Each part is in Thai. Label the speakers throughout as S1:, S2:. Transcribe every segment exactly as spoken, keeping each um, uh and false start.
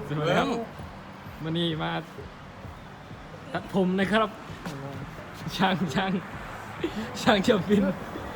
S1: สวัสดีครับวันนี้มาตัดผมนะครับช่างช่างช่างจะบิน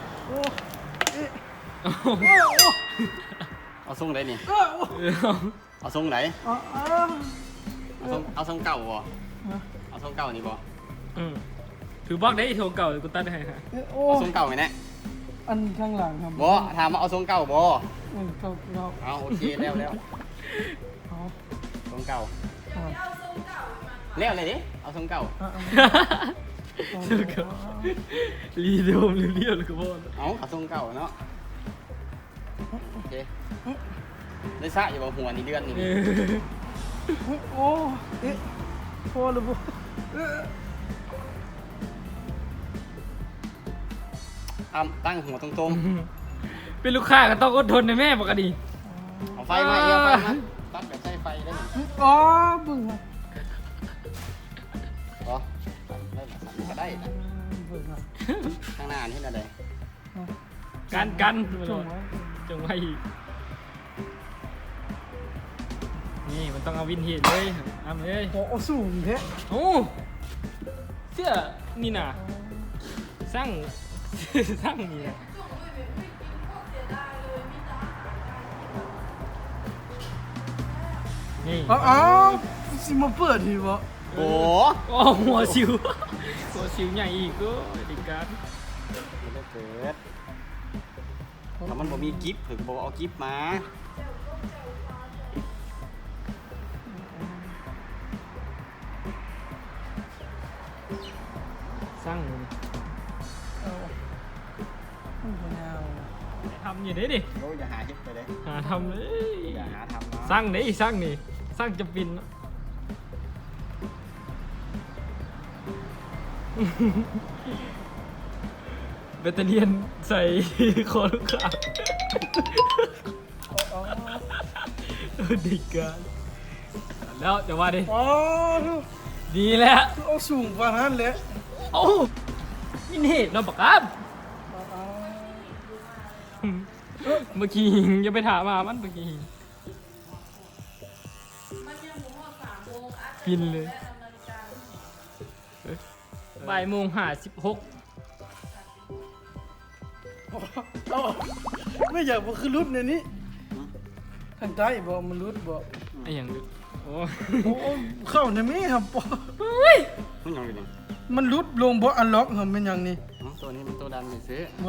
S2: เอาทรงไหนนี่
S1: เอา
S2: เอาทรงไหนเอาทรงเอาทรงเก่าบ่เอาทรงเก่านี่บ่
S1: อืมถือบล็อกได้โทรเก่ากูตัดให้ฮะ
S2: เอาทรงเก่าไหมเนี่ย
S3: อันข้างหลังครับ
S2: บ่ถามว่าเอาทรงเก่าบ่
S3: เออเก่าเก่า
S2: เอาโอเคแล้วแล้ว
S3: เอา
S2: ทรงเก่า
S3: เอา
S2: แล้วเลยดิเอาทรงเก่า
S3: เอาเอา
S1: โทรเก่ารีโดมเรียวๆเลยก็พอ
S2: เอาเอาทรงเก่าเนาะโอเคได้ซะอยู่บ่หัวนี่เดือนนี่
S1: เออ
S3: โอ้เอ๊ะพอหรือเปล่าเอ๊ะ
S2: อ้ำตั้งหัวตรง
S1: เป็นลูกค้าก็ต้องอดทนในแม่ปกติ
S2: ๆเอาไฟมาเอียวไฟมาตัดแบบใช้ไฟได้ไหม
S3: อ๋อบึ้งครับ
S2: บ่ได้แบบสั่นก็ได้นะ
S3: บึ้งครับ
S2: ข้างหน้านี่อะไร
S1: กันกัน
S3: จุ่มไว้
S1: จงไว้อีกนี่มันต้องเอาวินเทจเลยทำเลย
S3: โอ้สูงแท้
S1: โอ้เสื้อนี่น่ะสร้าง สร้างนี่นะนี่
S3: อ๋ออ๋อสิมาเปิดทีวะ
S2: โอ้
S1: โอ้หัวสิว หัวสิวใหญ่อีกก็ดีการ
S2: ไม่ได้เกิดถ้ามันบ่มีกิฟต์ถึงบ่เอากิฟต์มา
S1: สร้าง
S3: เอาไม่เอา
S1: ทำอย่างนี้ดิ
S2: โอ้ยอย่าหาคิดไปเลย
S1: หาทำเลย
S2: อย่าหาทำนะ
S1: สร้างนี่สร้างนี่สร้างจะปิน เบตเตอรี่ยนใส่ คอลูกค้า
S3: อ๋อ
S1: เออดีการแล้วเดี๋ยวว่าดิ
S3: อ๋อ
S1: ดีแล้ว
S3: เอาสูงกว่านั้นเลย
S1: โอ้นี่นี่เราบอกครับ
S3: อ๋อ
S1: เมื่อกี้อย่าไปถามมามันเมื่อกี้ฟินเลยบ่ายโมงห้าสิบหก
S3: อ๋อไม่อยากบอกคือรุดในนี้ทางใต้บอกมันรุดบอก
S1: ไอ้อย่างนี้โอ้
S3: โอ้เข้าในนี้ครับปอ
S2: มันยังอยู่นี่
S3: มันรุดลงบ่อันล็อกครับเป็นอย่างนี้
S2: อ๋อตัวนี้มันตัวดันไม่ซื้อ
S3: บ่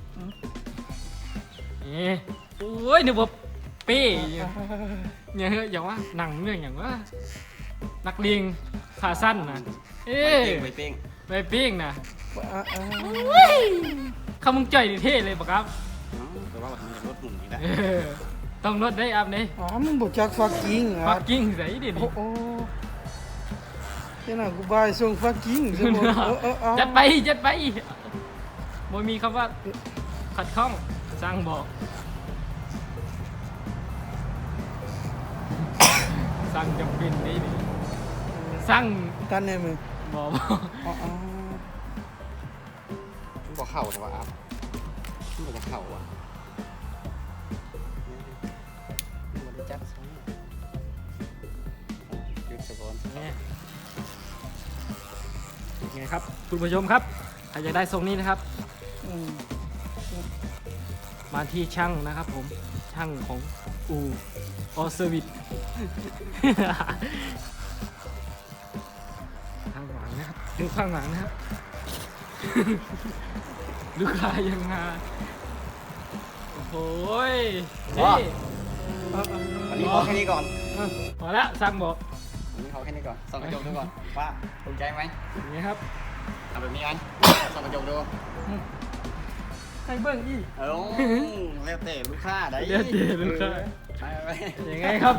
S1: เอ๊ะโอ้ยนึกว่าเป้อย่างเฮ้ยอย่างว่าหนังเรื่องอย่างว่านักเลงขาสั้นนะเอ๊
S2: ไป
S1: ะ
S2: เป้ง
S1: ไปปิ้งนะ
S3: อ่าอ่า
S1: คำมึงจ่อยดิเท่เลยปะครับ
S2: อ๋อแต่ว่ามันจะรถหมุนอีกแล้ว
S1: เออต้องลดได้อัพนี่
S3: อ๋อมึงบอกจักฟักกิ้งอ่ะ
S1: ฟักกิ้งใส่ดิ
S3: โอ้โอ้เจ้าหน้ากูบายส่งฟักกิ้งใช่บ่เออเออเอา
S1: จัดไปจัดไปบ่มีคำว่าขัดข้องสร้างบอกสร้างจำเป็นนี่ดิสร้าง
S3: กันแน่มึง
S1: บอกบอก
S3: อ๋ออ๋อ
S2: มันบอกเข่าแต่ว่าอัพมันบอกเข่าอ่ะมันได้จัดซะหยุดสะกอน
S1: เนี่ยไงครับคุณผู้ชมครับใครอยากได้ทรงนี้นะครับ
S3: อืม
S1: มาที่ช่างนะครับผมช่างของอูออเซอร์วิส ข้างหลังนะครับดูข้างหลังนะครับ ลูกค้ายังมาโอ้โหยนี่
S3: เอาเอา
S2: วันนี้ขอแค่นี้ก่อน
S1: พอแล้วสั่งบอก
S2: วันนี้ขอแค่นี้ก่อนส่องกระจกดูก่อนว่าถูกใจไหม
S1: อย่างนี้ครับ
S2: ทำแบบนี้กันส่องกระจกดู
S3: ให้เบิ่งอีก
S2: เออแล้วแต่ลูกค้าได้
S1: เดี๋ยวเดี๋ยวลูกค้า
S2: ไปไป
S1: ยังไงครับ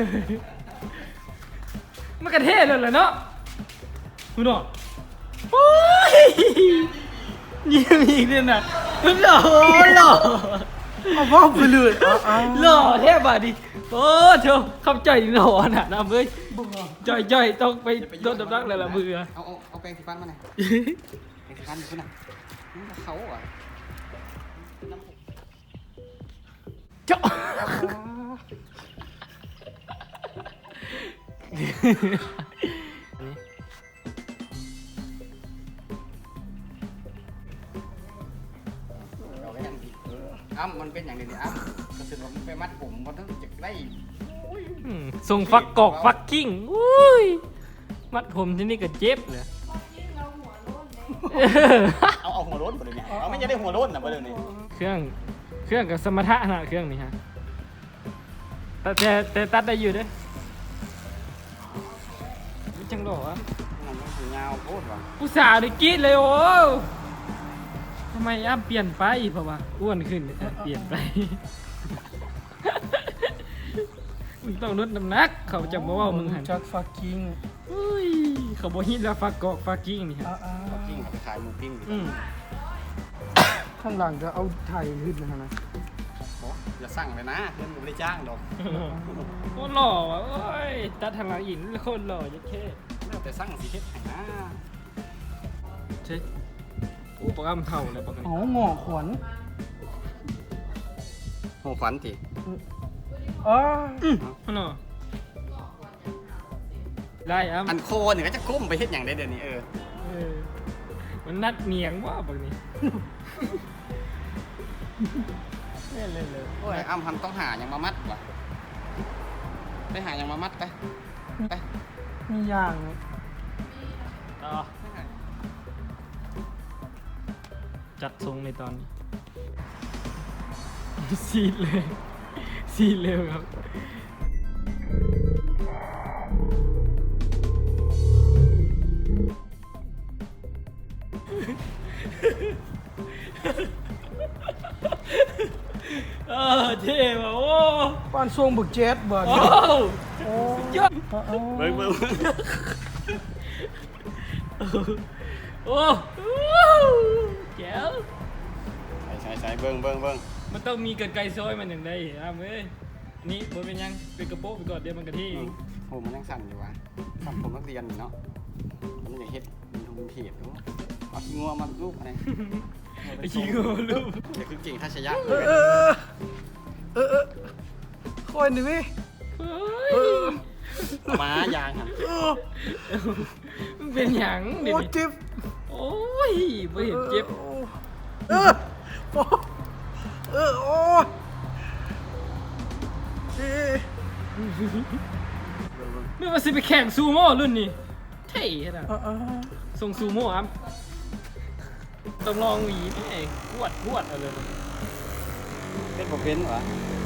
S1: มันกระเทศเลยเหรอเนาะคุณหนอโอ้ยนี่มีอีกเนี่ยนะหล่อหล่อ
S3: เอาพ่อไปเลยเอาเอา
S1: หล่อแทบอ่ะดิโอ้เธอเข้าใจหล่อน่ะนะเว้ย
S3: บ่เอา
S1: จ่อยจ่อยต้องไปโดนดับรักเลยละมือ
S2: เอาเอาเอาแปรงสีฟันมาหน่อยแปรงสีฟันคุณน่ะนี่เขาอ่ะ
S1: เจ้าอันนี้
S2: เราก็ยังผิดอ้ำมันเป็นอย่างนี้นี่อ้ำก็คือว่ามันไปมัดผมมันต้องจะได้
S1: อืมส่งฟักกอกฟักกิ้งอุ้ยมัดผมที่นี่ก็เจ็บเลย
S2: เอาเอาหัวโล้นไปเลยเนี่ยเอาไม่จะได้หัวโล้นนะไปเลยนี่
S1: เครื่องเครื่องกับสมรรถะนะเครื่องนี้ฮะแต่แต่แต่ตัดได้อยู่เด้อวิจังหรอวะ
S2: มันต้องถือยาวโคตรว่ะ
S1: ผู้สาวได้กรีดเลยโอ้ทำไมอ้ำเปลี่ยนไปเพราะว่าอ้วนขึ้นเออเปลี่ยนไป มึงต้องลดน้ำหนักเขาจะบอกว่ามึงหัน
S3: จักฟักกิ้ง
S1: อุ้ยเขาบอกฮิตแล้วฟักกอกฟักกิ้งนี่ฮะ
S3: อ่า
S2: ปิ้งเอาไปขายหมูปิ้งดิ
S1: อืม
S3: ๆข้างหลังจะเอาไถ่ขึ้นนะนะ
S2: โอ้อย่าสั่งเลยนะเพื่อนผมไม่ได้จ้างดอก
S1: โคตรหล่อว่ะโอ้ยตัดทางหลังอินโคตรหล่อยัดเข้
S2: แล้วแต่สั่งสีเฮ็ดให้นะ
S1: ใช่อู้ปกอ้ำเท่าเลยปกติ
S3: อ๋อหงอขวัญ
S2: โหฝันที
S3: อ๋อ
S1: อ๋อเนาะได้อ้ำ
S2: อันโคเนี่ยก็จะก้มไปเฮ็ดอย่างได้เดี๋ยวนี้เออ
S1: เออมันนัดเนียงว่าปกนี้เล่นเลยเลย
S2: โอ้ยอ้ำพันต้องหาอย่างมามัดว่ะไปหาอย่างมามัดไปไป
S3: มีอย่าง
S1: ต่อจัดทรงในตอนนี้ ซีดเลยซีดเลยครับ เออเท่ว่ะโอ้
S3: ป้านทรงบึกเจ็ดบ่
S1: โอ้
S3: โอ้
S1: ยอด
S2: เบิ่งเบิ่ง
S1: โอ้แจ๋ว
S2: ใส่ใส่ใส่เบิ่งเบิ่งเบิ่ง
S1: มันต้องมีกันไกลซอยมันอย่างไรอ่ะเว้ยนี่บนเป็นยังเป็นกระโปงไปก่อนเดี๋ยวมันกระที่
S2: โอ้มันยังสั่นอยู่ว่ะสั่นผมนักเรียนนี่เนาะมันอยากเฮ็ดมันทุนเพียบดูเอาขี้งัวมาลูกอะไร
S1: ไอ้ชิงโง่ลูก
S2: เดี๋ยวคือเก่งทัชยะ
S3: เออเออเออเออคอยหน่อยเว้ย
S1: เฮ้
S3: เอย อ
S2: ม้ายางหัน
S3: เออ
S1: มึงเป็นหยังเดี๋ยว
S3: โอ้
S1: นี้
S3: เจ็บ
S1: โอ้ยไม่เห็นเจ็บ
S3: เออโอ้เออโอ้เอ๊ะ
S1: ไม่ว่าสิไปแข่งซูโม่รุ่นนี้เท่ขนาด
S3: เออเออ
S1: ส่งซูโม่ครับต้องลองหวีนี่ไอ้กวดกวดเอาเลย
S2: เป็นบ่เป็นวะ
S1: เ